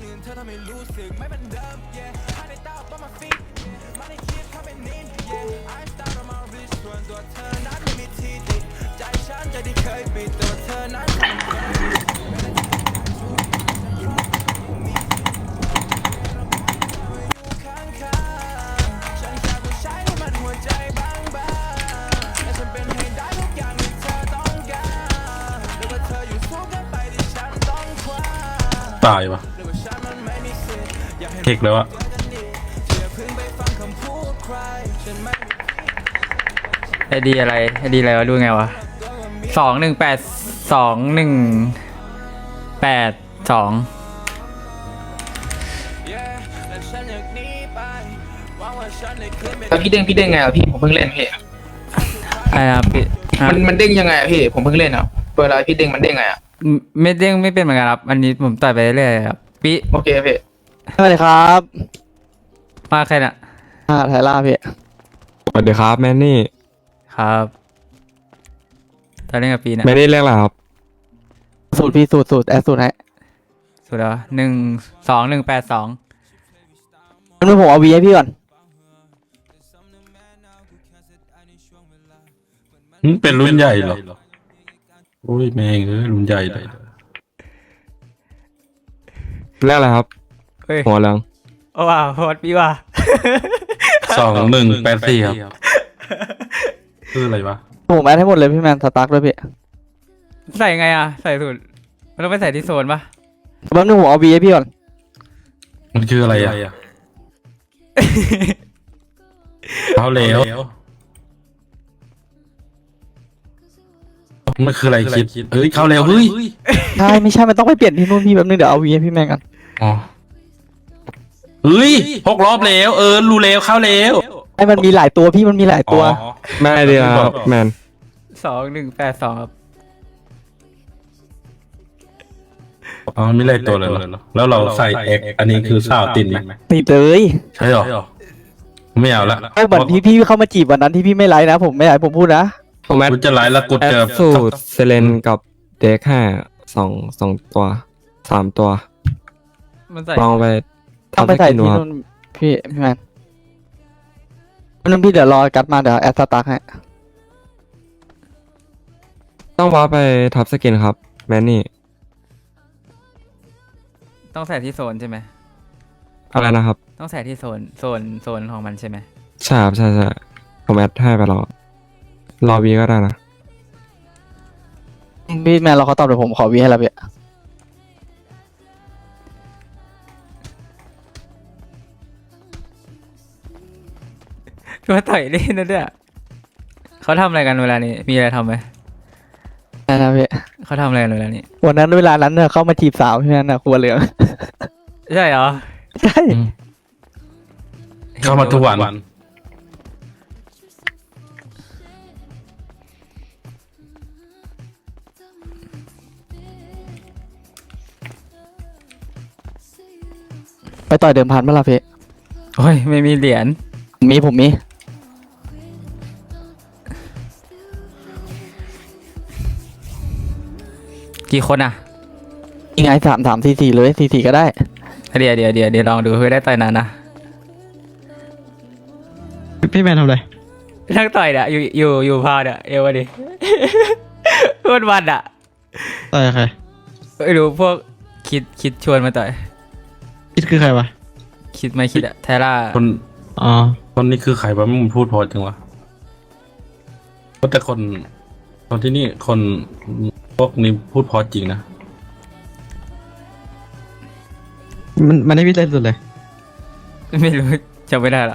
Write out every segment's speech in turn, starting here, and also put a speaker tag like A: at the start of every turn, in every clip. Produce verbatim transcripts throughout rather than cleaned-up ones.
A: ตายวะเทคแล้วอะ
B: ไอดีอะไรไอดีอะไรวะดูไงวะสองหนึ่งแปดสองหนึ่งแปดสอง
C: แล้วพี่เด้งพี่เด้งไงอ่ะพี่ผมเพิ่งเล่นพี่
B: อะไรครับพี่
C: มันมันเด้งยังไงอ่ะพี่ผมเพิ่งเล่นอ่ะเวลาพี่เด้งมันเด้งไงอ่ะ
B: ไม่เด้งไม่เป็นเหมือนกันครับอันนี้ผมต่อยไปเรื่อยๆครับพี่
C: โอเคพี่
D: สวัสดีครับ
B: มาใครน่ะ
D: อ่าไทล่าพี่
E: สวัสดีครับแมนนี่
B: ครับตอนเล่นกับปีนะ
E: แมนนี่เรียกอะไรครับ
D: สูตรพี่สูตรสูตรแอดสูตรให้
B: สุดแล้วหนึ่งสองหนึ่งแปดสอง
D: งั้นผมเอาวีให้พี่ก่อน
A: เป็นรุ่นใหญ่เหรอโอ้ยแม่งเอ้ยรุ่นใหญ่เลย
E: เรียกอะไรครับหัวเหลือง
B: โอ้ว้าวโหดพี่ว่ะ
A: สองหนึ่งแปดสี่ครับคืออะไรวะ
D: ผมแอดให้หมดเลยพี่แมนสตาร์ทด้วยพี่
B: ใส่ไงอ่ะใส่สูตรมันต้องไปใส่ที่โซนปะ
D: แป๊บนึงผมเอาวีให้พี่ก่อน
A: มันคืออะไรอ่ะเขาเหลวมันคืออะไรคิดเฮ้ยเขาเหลวเฮ้ย
D: ใช่ไม่ใช่มันต้องไปเปลี่ยนที่นู่นพี่แป๊บนึงเดี๋ยวเอาวีให้พี่แมนกัน
A: อ๋อเฮ้ยหกรอบแล้วเออรู้แล้วเข้าแล้ว
D: ไอ้มันมีหลายตัวพี่มันมีหลายตัว
E: ไม่เดียวครับแมน
B: สองหนึ่งแปดสองครับ
A: อ๋อไม่ไล่ตัวเลยเหรอแล้วเราใส่เอ็กอันนี้คือสาวติดไหม
D: ติดเลย
A: ใช่หรอไม่เอาละ
D: ไม่เหมือนที่พี่เข้ามาจีบวันนั้นที่พี่ไม่ไลฟ์นะผมไม่อยากผมพูดนะ
E: ผมแอด
A: จะไลฟ์แล้วกดเจอ
E: สูตรเซเลนกับเด็กห้าสองสองตัวสามตัวลองไป
D: ต้องไปใส่ที่นู่นพี่พี่แมนนั่นพี่เดี๋ยวรอกัดมาเดี๋ยวแอดสตาร์ทให้
E: ต้องว้าไปทับสกินครับแมนนี่
B: ต้องใส่ที่โซนใช่ไหม
E: อะไรนะครับ
B: ต้องใส่ที่โซนโซนโซนของมันใช่ไหม
E: ใช่ครับใช่ใช่ผมแอดให้ไปรอรอวีก็ได้นะ
D: พี่แมนเราเขาตอบเดี๋ยวผมขอวีให้แล้วพี่
B: มาต่อยเล่นนะเนี่ยเขาทำอะไรกันเวลานี้มีอะไรทำไหม
D: ใช่นะพี่
B: เขาทำอะไรกันเวลานี้
D: วันนั้นเวลานั้นเนี่ยเข้ามาจีบสาวพี่แมนนะครัวเหลือง
B: ใช่เหรอ
D: ใช่
A: เข้ามาทุกวัน
D: ไปต่อยเดิมพันเมื่อไรพี่
B: โอ้ยไม่มีเหรียญ
D: มีผมมี
B: กี่คนอ่ะ
D: ยังไงสามสามสี่สี่เลยสี่สี่ก็ได้
B: เดี๋ยวเดี๋ยวเดี๋ยวเดี๋ยวลองดูเพื่อได้ต่อยนานนะ
D: พี่แมนทำอะไร
B: นั่งต่อยเนี่ยอยู่อยู่อยู่พาเนี่ยเอวดิพูดวันอ่ะ
D: ต่อยใคร
B: ไม่รู้พวกคิดคิดชวนมาต่อย
D: คิดคือใครวะ
B: คิดไม่คิดอะไทล่า
A: คน
D: อ๋อ
A: คนนี้คือใครวะมึงพูดพอจังวะก็แต่คนคนที่นี่คนพวกนี้พูดพอจริงนะ
D: มันมันให้พี่เล่นสุดเลย
B: ไม่รู้จำไม่ได้ละ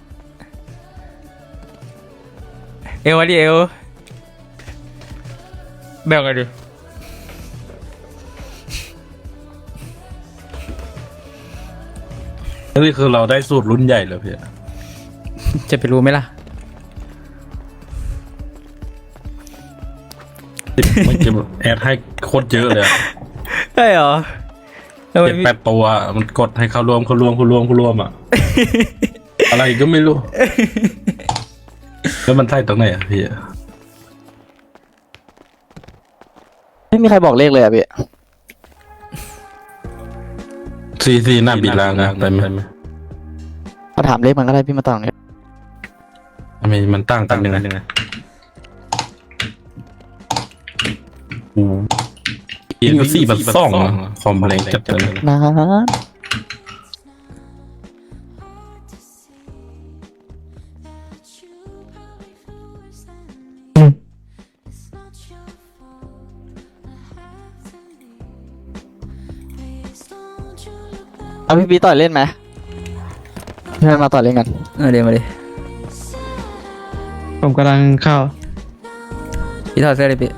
B: เอวดิเอวแบ่งกันดิ
A: นี่คือเราได้สูตรรุ่นใหญ่เลยพี่
B: จะไปรู้ไหมล่ะ
A: มันจะแอดให้โคตรเยอะเลย
B: ใช่เหรอ
A: เจ็ดแปดตัวมันกดให้เขารวมเขารวมเขารวมเขารวมอ่ะอะไรก็ไม่รู้แล้วมันใช่ตรงไหนอ่ะพี่
D: ไม่มีใครบอกเลขเลยอ่ะพี่
A: ซีซีหน้าบีลางนะไปไหม
D: มาถามเลขมันก็ได้พี่มาตอบเนี่ย
A: ทำไมมันตั้งกันยังไงยังไงอู้ยิงสี่บัตซ่องคอมเพลงจัดเลย
D: นะ เอาพี่ปีต่อยเล่นไหมพี่มาต่อยเล่นกัน
B: เออเดี๋ยวมาดิ
F: ผมกำลังเข้า
B: พี่ถอดเสื้อเลยพี่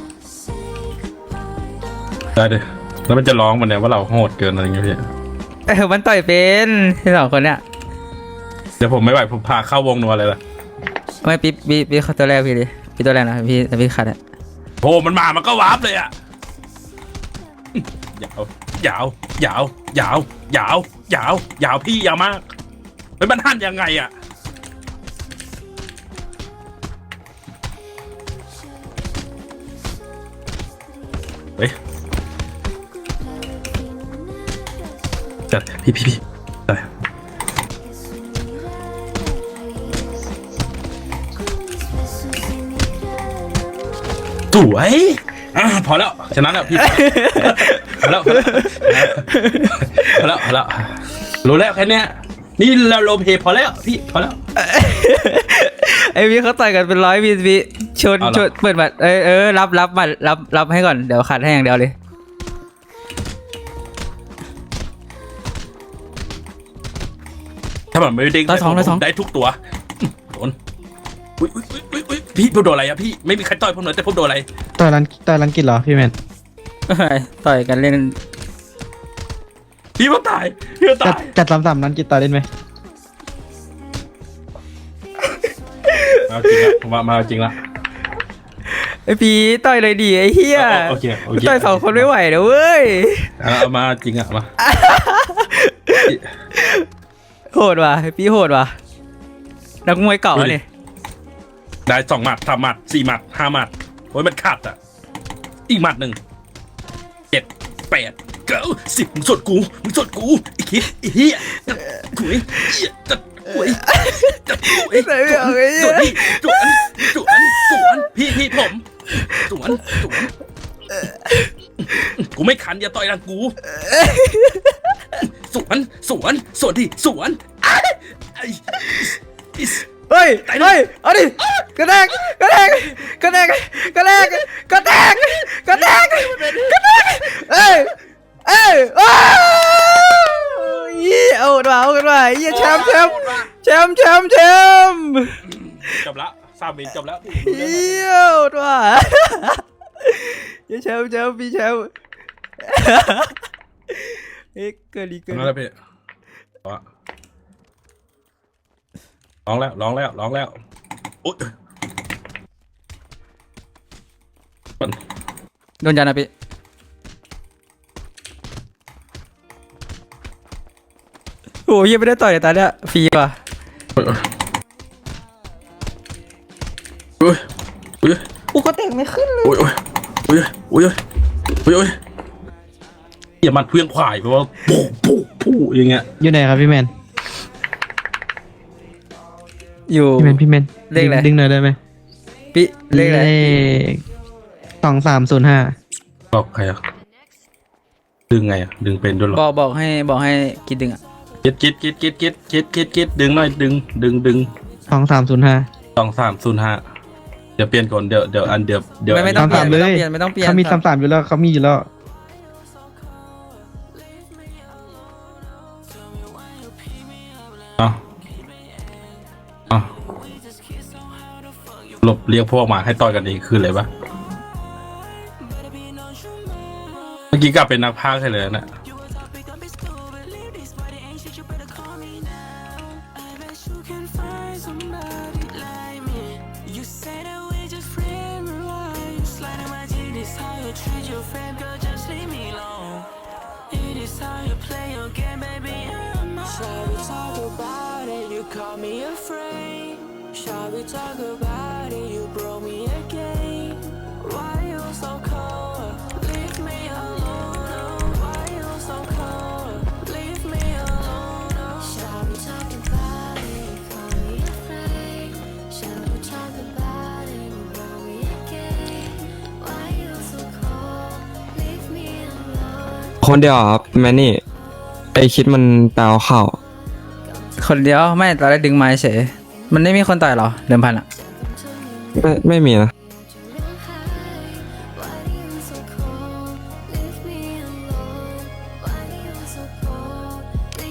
A: ได้เลยแล้วมันจะร้องมันเนี่ยว่าเราโหดเกินอะไรเงี้ยพี่
B: เออมันต่อยเป็นที่สองคนเนี้ย
A: เดี๋ยวผมไม่ไหวผมพาเข้าวงนัวเลยล่ะ
B: ไม่พี่พี่พี่เขาตัวแรกพี่ดิพี่ตัวแรกนะพี่แต่พี่ขัดอะ
A: โหมันมามันก็วาร์ปเลยอ่ะยาวยาวยาวยาวยาวยาวยาวพี่ยาวมากเฮ้ยมันหั่นยังไงอ่ะเฮ้ยจัดพี่พี่พี่จัดสวยอ่ะพอแล้วชนะแล้วพี่พอแล้วพอแล้วพอแล้วพอแล้วรู้แล้วแค่เนี้ยนี่เราโลเพพอแล้วพี่พอแล้ว
B: ไอพี่เขาต่อยกันเป็นร้อยพี่พี่ชน
A: เอาเหรอ
B: ชนเปิดบัตรเออเออรับรับบัตรรับรับให้ก่อนเดี๋ยวขัดให้อย่างเดียวเลย
A: ถ้ามันไม่เด้ง
B: ร้อยสองร้อยสอง
A: ได้ทุกตัวโดนอุ้ยอุ้ยอุ้ยอุ้ยอุ้ยพี่ผมโดนอะไรอะพี่ไม่มีใครต่อยผมเลยแต่ผมโดนอะไร
F: ต่อยรันต่อยรันกิจเหรอพี่แมน
B: ต่อยกันเล่น
A: พี่ผมตายพี่ผม
F: จั
A: ตา
F: ด
A: ย
F: จัดสามสามรันกิจต่อยเล่นไหม
A: มาจริงละผมว่ามาจริงละ
B: ไอพี่ต่อยเลยดิไอเฮีย
A: โอเคโอเค
B: ต่อยสองคนไม่ไหวนะเว้ย
A: เอาเอามาจริงอะมา
B: โหดว่ะไอพี่โหดว่ะนักมวยเก่าเนี่ย
A: ได้สองหมัดสามหมัดสี่หมัดห้าหมัดโอ้ยมันขาดอะอีกหมัดหนึ่งเจ็ดแปดเก้าสิบมึงสดกูมึงสดกูอีกทีอีเหี้ยถุยเหี้ยจัดถุยจัดถุย
B: ใส่ไม่ออกไอ้เหี้
A: สวย นพี่สวนสวนสวนพี่พี่ผมสวนสวนกูไม่ขันอย่าต่อยรังกูสวนสวนสวนดิสวนไอ้ไอ้
B: เฮ้ยเฮ้ยเอาดิกระแทกกระแทกกระแทกกระแทกกระแทกกระแทกกระแทกเอ้ยเอ้ยว้าวยี่เอากันมาเอากันมายี่แชมป์แชมป์แชมป์แชมป์แชมป์
A: จบละสามวินจบแล้ว
B: เยี่ยมว่ะยี่แชมป์แชมป์พี่แชมป์เอ๊ะเกิดดีเกิด
A: นั่นแหละพี่ร้องแล้วร้องแล้วร้องแล้วโอ๊ย
B: โดนยันนะพี่โอ้ยยังไม่ได้ต่อยเลยตอนเนี้ยฟรีว่ะ
A: โอ้ยโอ้ย
B: กูก็เตะไม่ขึ้นเลย
A: โอ้ยโอ้ยโอ้ยโอ้ยโอ้ยโอ้ยอย่ามันเพี้ยงขวายเพราะว่าปูปูปูอย่างเงี้ย
F: อยู่ไหนครับพี่แมน
B: อยู่
F: พี่แมนพี่แมน
B: เลขอะไร
F: ดึงหน่อยได้ไหม
B: พี่เลขอะไร
F: ขสองสามศูนย์ห้า
A: บอกใครอ่ะดึงไงอ่ะดึงเป็นด้วยหรอ
B: บอกบอกให้บอกให้กินดึงอ่ะ
A: คิดคิดคิดคิดคิดคิดคิดคิดดึงหน่อยดึงดึงดึง
F: สองสามศูนย์ห้า
A: สองสามศูนย์ห้าเดี๋ยวเปลี่ยนก่อนเดี๋ยวเดี๋ยวอันเดี๋ยวเดี๋ยว
B: ไม่ไม่ต้องเปลี่ยน
F: ตามๆ
B: ไม่
F: เล
B: ต้อง
F: ย
B: เปลี่ยนไม่ต้องเปลี่ยน
F: เขามีสามสามอยู่แล้วเขามีอยู่แล้ว
A: อ่ะอ่ะหลบเรียกพวกมาให้ต่อยกันเองคืออะไรปะเมื่อกี้กลับเป็นนักพากย์ให้เลยนะ
G: Shall we talk about it? You call me afraid. Shall we talk about it? You broke me again. Why you so cold? Leave me alone. Why you so cold?
E: คนเดียวอะครับแมนนี่ไอคิดมันแปลเข้า
B: คนเดียวไม่ตอนแรกดึงไม้เฉยมันไม่มีคนต่อยเหรอเดิมพันอ่ะ
E: ไม่ไม่มีนะ